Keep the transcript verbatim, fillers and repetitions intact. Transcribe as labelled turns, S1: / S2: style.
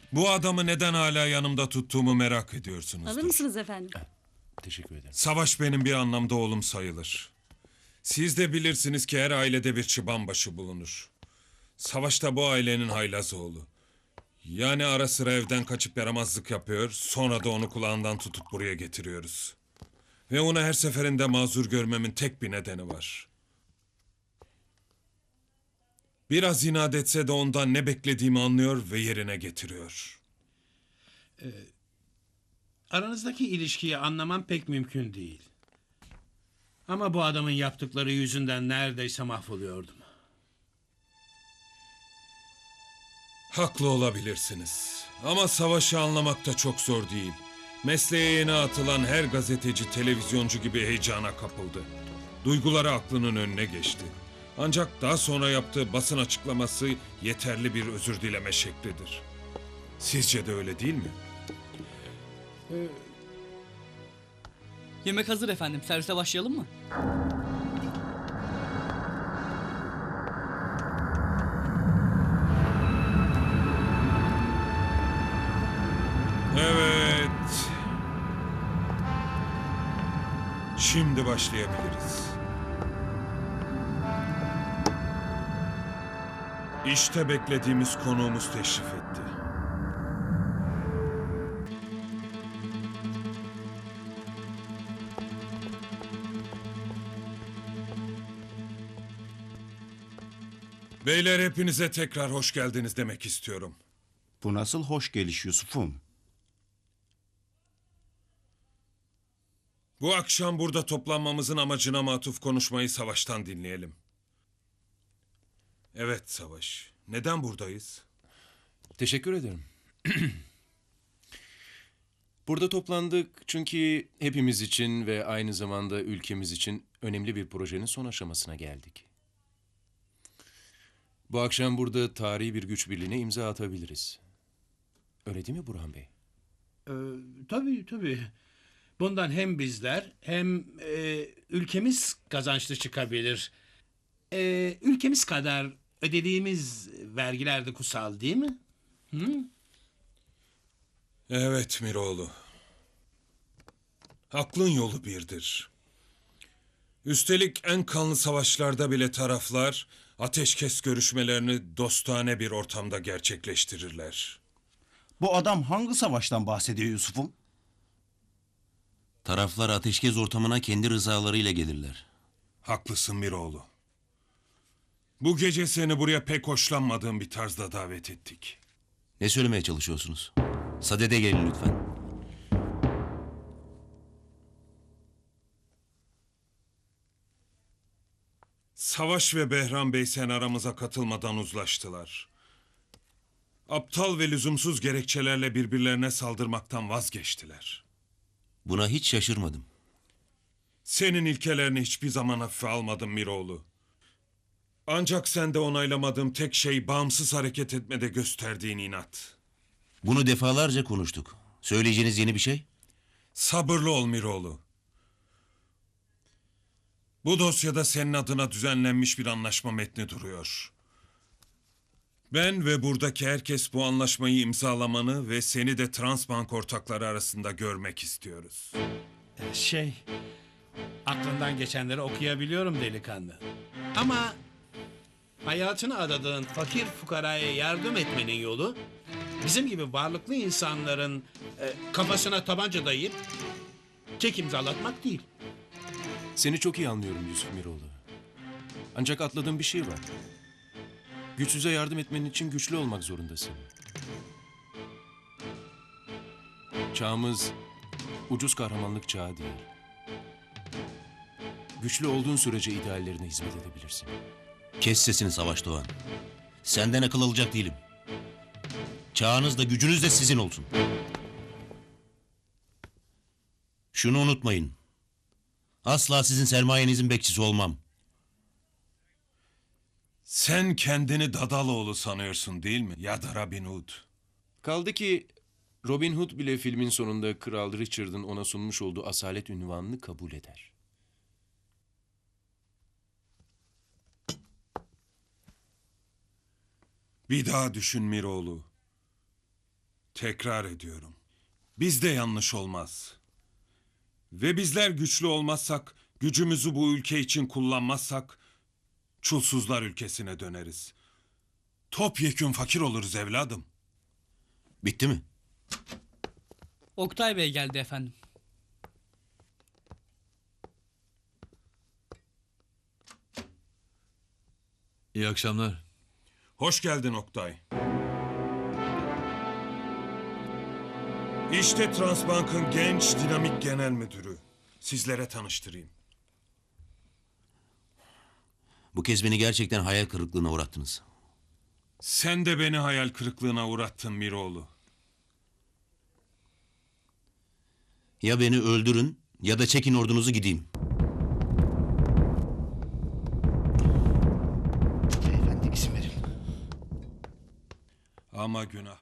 S1: Bu adamı neden hala yanımda tuttuğumu merak ediyorsunuzdur.
S2: Alır mısınız efendim?
S3: Teşekkür ederim.
S1: Savaş benim bir anlamda oğlum sayılır. Siz de bilirsiniz ki her ailede bir çıbanbaşı bulunur. Savaş da bu ailenin haylaz oğlu. Yani ara sıra evden kaçıp yaramazlık yapıyor, sonra da onu kulağından tutup buraya getiriyoruz. Ve onu her seferinde mazur görmemin tek bir nedeni var. Biraz inat etse de ondan ne beklediğimi anlıyor ve yerine getiriyor.
S4: Aranızdaki ilişkiyi anlamam pek mümkün değil. Ama bu adamın yaptıkları yüzünden neredeyse mahvoluyordum.
S1: Haklı olabilirsiniz. Ama savaşı anlamak da çok zor değil. Mesleğe yeni atılan her gazeteci, televizyoncu gibi heyecana kapıldı. Duyguları aklının önüne geçti. Ancak daha sonra yaptığı basın açıklaması yeterli bir özür dileme şeklidir. Sizce de öyle değil mi?
S5: Yemek hazır efendim. Servise başlayalım mı?
S1: Evet. Şimdi başlayabiliriz. İşte beklediğimiz konuğumuz teşrif etti. Beyler, hepinize tekrar hoş geldiniz demek istiyorum.
S6: Bu nasıl hoş geliş Yusuf'um?
S1: Bu akşam burada toplanmamızın amacına matuf konuşmayı Savaş'tan dinleyelim. Evet Savaş, neden buradayız?
S3: Teşekkür ederim. Burada toplandık çünkü hepimiz için ve aynı zamanda ülkemiz için önemli bir projenin son aşamasına geldik. Bu akşam burada tarihi bir güç birliğine imza atabiliriz. Öyle değil mi Burhan Bey?
S4: Ee, tabii tabii. Bundan hem bizler hem e, ülkemiz kazançlı çıkabilir. E, ülkemiz kadar ödediğimiz vergiler de kutsal değil mi? Hı?
S1: Evet Miroğlu. Aklın yolu birdir. Üstelik en kanlı savaşlarda bile taraflar ateşkes görüşmelerini dostane bir ortamda gerçekleştirirler.
S6: Bu adam hangi savaştan bahsediyor Yusuf'um?
S7: Taraflar ateşkes ortamına kendi rızalarıyla gelirler.
S1: Haklısın Miroğlu. Bu gece seni buraya pek hoşlanmadığım bir tarzda davet ettik.
S7: Ne söylemeye çalışıyorsunuz? Sadede gelin lütfen.
S1: Savaş ve Behram Bey sen aramıza katılmadan uzlaştılar. Aptal ve lüzumsuz gerekçelerle birbirlerine saldırmaktan vazgeçtiler.
S7: Buna hiç şaşırmadım.
S1: Senin ilkelerini hiçbir zaman hafife almadım Miroğlu. Ancak sende onaylamadığım tek şey bağımsız hareket etmede gösterdiğin inat.
S7: Bunu defalarca konuştuk. Söyleyeceğiniz yeni bir şey?
S1: Sabırlı ol Miroğlu. Bu dosyada senin adına düzenlenmiş bir anlaşma metni duruyor. Ben ve buradaki herkes bu anlaşmayı imzalamanı ve seni de Transbank ortakları arasında görmek istiyoruz.
S4: Şey, aklından geçenleri okuyabiliyorum delikanlı. Ama hayatını adadığın fakir fukaraya yardım etmenin yolu bizim gibi varlıklı insanların e, kafasına tabanca dayayıp çek imzalatmak değil.
S3: Seni çok iyi anlıyorum Yusuf Miroğlu. Ancak atladığım bir şey var. Güçsüze yardım etmenin için güçlü olmak zorundasın. Çağımız ucuz kahramanlık çağı değil. Güçlü olduğun sürece ideallerine hizmet edebilirsin.
S7: Kes sesini Savaş Doğan. Senden akıl alacak değilim. Çağınız da gücünüz de sizin olsun. Şunu unutmayın. Asla sizin sermayenizin bekçisi olmam.
S1: Sen kendini Dadaloğlu sanıyorsun değil mi? Ya da Robin Hood.
S3: Kaldı ki Robin Hood bile filmin sonunda Kral Richard'ın ona sunmuş olduğu asalet ünvanını kabul eder.
S1: Bir daha düşün Miroğlu. Tekrar ediyorum. Bizde yanlış olmaz. Ve bizler güçlü olmazsak, gücümüzü bu ülke için kullanmazsak, çulsuzlar ülkesine döneriz. Topyekün fakir oluruz evladım.
S7: Bitti mi?
S5: Oktay Bey geldi efendim.
S2: İyi akşamlar.
S1: Hoş geldin Oktay. İşte Transbank'ın genç dinamik genel müdürü. Sizlere tanıştırayım.
S7: Bu kez beni gerçekten hayal kırıklığına uğrattınız.
S1: Sen de beni hayal kırıklığına uğrattın Miroğlu.
S7: Ya beni öldürün ya da çekin ordunuzu gideyim.
S6: Beyefendi izin verin.
S1: Ama günah